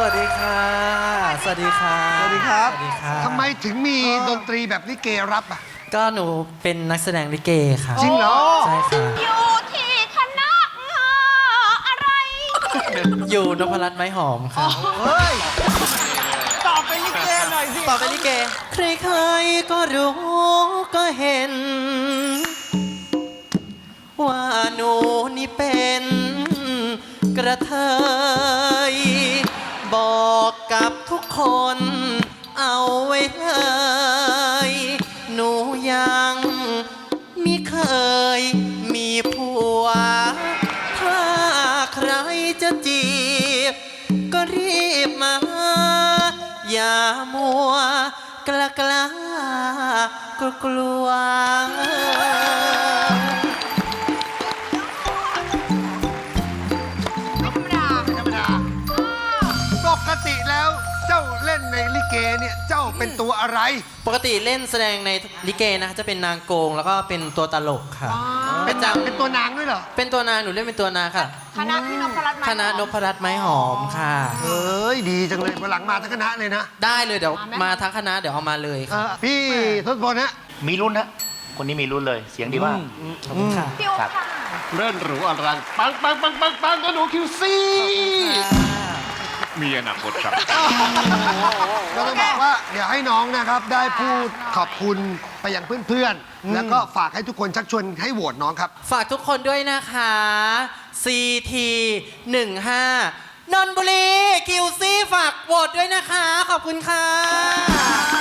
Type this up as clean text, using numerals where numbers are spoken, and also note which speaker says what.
Speaker 1: วัสดีค่ะสวัสดีค่ะสวัสดีครับสวัสดีค่ะ
Speaker 2: ทำไมถึงมีดนตรีแบบลิเกรับอ่ะ
Speaker 1: ก็หนูเป็นนักแสดงลิเกค่ะ
Speaker 2: จริงเหรอ
Speaker 1: ใช่ค่ะ
Speaker 3: อยู่ที่คณะอะไร
Speaker 1: อยู่นพรัตน์ไม้หอมค่ะ
Speaker 2: เฮ้ย ตอบเป็นลิเกหน่อยสิ
Speaker 1: ต่อไปลิเก ใครๆก็รู้ก็เห็น ว่าหนูนี่เป็นกระเทยบอกกับทุกคนเอาไว้เลยหนูยังมิเคยมีผัว ถ้าใครจะจีบก็รีบมา อย่ามัวกล้ากล้ากลัว
Speaker 3: ไม่ธรรมดา
Speaker 2: ธรรมดา ปกติแล้วเจ้าเล่นในลิเกเนี่ยเจ้าเป็นตัวอะไร
Speaker 1: ปกติเล่นแสดงในลิเกนะคะจะเป็นนางโกงแล้วก็เป็นตัวตลกค่ะ
Speaker 2: เป็นนางเป็นตัวนางด้วยเหรอ
Speaker 1: เป็นตัวนางหนูเล่นเป็นตัวนางค่ะ
Speaker 3: คณะที่นพรัตน์
Speaker 1: คณะนพรัตน์ไม้หอมค่ะ
Speaker 2: เฮ้ย ดีจังเลยวันหลังมาทั้งคณะเลยนะ
Speaker 1: ได้เลยเดี๋ยวมาทั้งคณะเดี๋ยวเอามาเลย
Speaker 2: พี่ทศพลนะ
Speaker 4: มีรุ่นนะคนนี้มีรุ่นเลยเสียงดีมาก
Speaker 1: ขอบคุณค่ะ
Speaker 3: พี่อุ๊บค่ะ
Speaker 5: เล่นหรูอลังปังปังปังปังปังก็หนูคิวซี่มีอนาคตครับ
Speaker 2: ก็ต้องบอกว่าเดี๋ยวให้น้องนะครับได้พูดขอบคุณไปยังเพื่อนๆ แล้วก็ฝากให้ทุกคนชักชวนให้โหวตน้องครับ
Speaker 1: ฝากทุกคนด้วยนะคะ CT 15นนทบุรีคิวซี่ฝากโหวตด้วยนะคะ ขอบคุณค่ะ